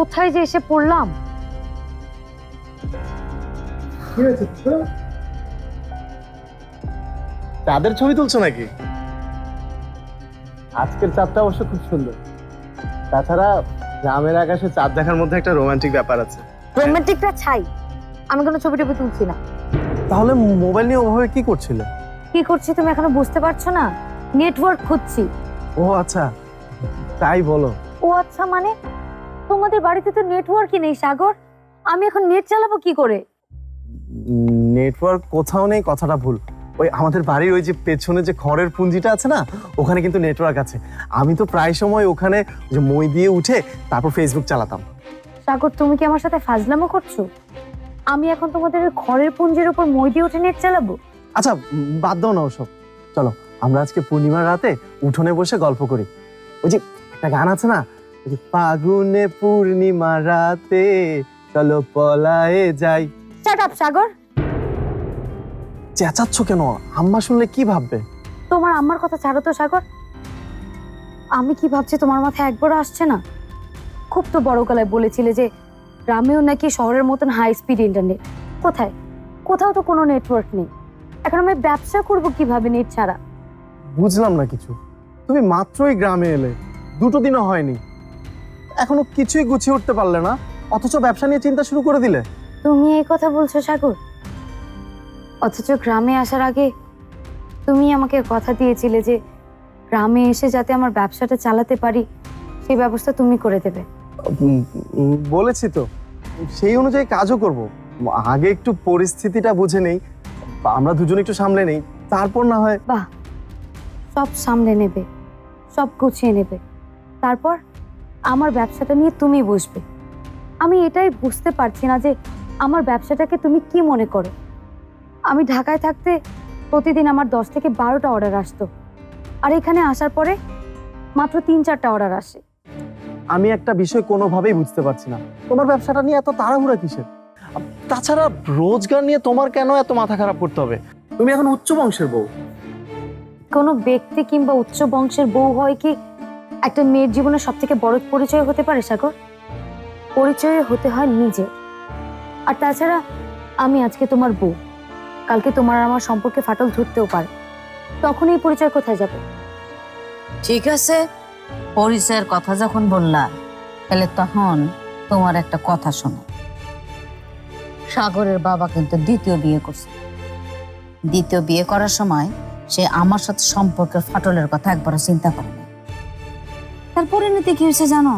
কোথায় যে এসে পড়লাম। চাঁদের ছবি তুলছো নাকি? আজকের চাঁদটা অবশ্য খুব সুন্দর। তাছাড়া গ্রামের আকাশে চাঁদ দেখার মধ্যে একটা রোমান্টিক ব্যাপার আছে। রোমান্টিকটা ছাই, আমি কোনো ছবি টবি তুলছি না। তাহলে মোবাইল নিয়ে ওভাবে কি করছিলে? কি করছি তুমি এখনো বুঝতে পারছো না? নেটওয়ার্ক খুঁজছি। ও আচ্ছা, তাই বলো। ও আচ্ছা মানে? তোমাদের বাড়িতে তো নেটওয়ার্কই নেই সাগর, আমি এখন নেট চালাবো কি করে? নেটওয়ার্ক কোথাও নেই কথাটা ভুল। ওই আমাদের বাড়ির ওই যে পেছনে যে খড়ের পুঞ্জিটা আছে না, ওখানে কিন্তু নেটওয়ার্ক আছে। আমি তো প্রায় সময় ওখানে যে মই দিয়ে উঠে তারপর ফেসবুক চালাতাম। সাগর তুমি কি আমার সাথে ফাজলামো করছো? আমি এখন তোমাদের ওই খড়ের পুঞ্জের উপর মই দিয়ে উঠে নেট চালাবো? আচ্ছা বাদ দাও না ওসব, চলো আমরা আজকে পূর্ণিমার রাতে উঠোনে বসে গল্প করি। ওই যে একটা গান আছে না, ওই যে ফাগুনে পূর্ণিমা রাতে চলো পলায়ে যাই। শাট আপ সাগর। চেঁচাচ্ছ কেন? আম্মা শুনলে কি ভাববে? তোমার আম্মার কথা ছাড়ো তো সাগর। আমি কি ভাবছি তোমার মাথায় একবারও আসছে না? খুব তো বড় গলায় বলেছিলে যে গ্রামেও নাকি শহরের মতন হাই স্পিড ইন্টারনেট। কোথায়? কোথাও তো কোনো নেটওয়ার্ক নেই। এখন আমি ব্যবসা করব কিভাবে নেট ছাড়া? বুঝলাম না কিছু। তুমি মাত্রই গ্রামে এলে, 2 দিনও হয়নি, এখনো কিছুই গুছিয়ে উঠতে পারলে না, অথচ ব্যবসা নিয়ে চিন্তা শুরু করে দিলে। তুমি এই কথা বলছো সাগর? অথচ গ্রামে আসার আগে তুমি আমাকে কথা দিয়েছিলে যে গ্রামে এসে যাতে আমার ব্যবসাটা চালাতে পারি সেই ব্যবস্থা তুমি করে দেবে। বলেছি তো, সেই অনুযায়ী কাজও করব। আগে একটু পরিস্থিতিটা বুঝে নেই, আমরা দুজনে একটু সামলে নেই, তারপর না হয়। বাহ, সব সামলে নেবে, সব গুছিয়ে নেবে, তারপর আমার ব্যবসাটা নিয়ে তুমি বসবে। আমি এটাই বুঝতে পারছি না যে আমার ব্যবসাটাকে তুমি কি মনে করো। আমি ঢাকায় থাকতে প্রতিদিন আমার 10 থেকে 12টা অর্ডার আসতো, আর এখানে আসার পরে মাত্র 3-4টা অর্ডার আসে। আমি একটা বিষয় কোনোভাবেই বুঝতে পারছি না, তোমার ব্যবসাটা নিয়ে এত তাড়াহুড়া কিসের? তাছাড়া রোজগার নিয়ে তোমার কেন এত মাথা খারাপ করতে হবে? তুমি এখন উচ্চ বংশের বউ। কোনো ব্যক্তি কিংবা উচ্চ বংশের বউ হয় কি একটা মেয়ের জীবনে সব থেকে বড় পরিচয় হতে পারে সাগর? পরিচয় হতে হয় নিজে। আর তাছাড়া আমি আজকে তোমার বউ, কালকে তোমার আর আমার সম্পর্কে ফাটল ধরতেও পারে, তখন এই পরিচয় কোথায় যাবে? ঠিক আছে, পরিচয়ের কথা যখন বললা, তাহলে তখন তোমার একটা কথা শোনো। সাগরের বাবা কিন্তু দ্বিতীয় বিয়ে করছে। দ্বিতীয় বিয়ে করার সময় সে আমার সাথে সম্পর্কের ফাটলের কথা একবারও চিন্তা করে না। তার পরিণতি কি হয়েছে জানো?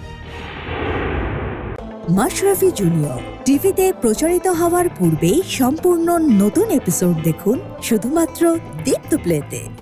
মাশরাফি জুনিয়র টিভিতে প্রচারিত হওয়ার পূর্বেই সম্পূর্ণ নতুন এপিসোড দেখুন শুধুমাত্র দীপ্ত প্লেতে।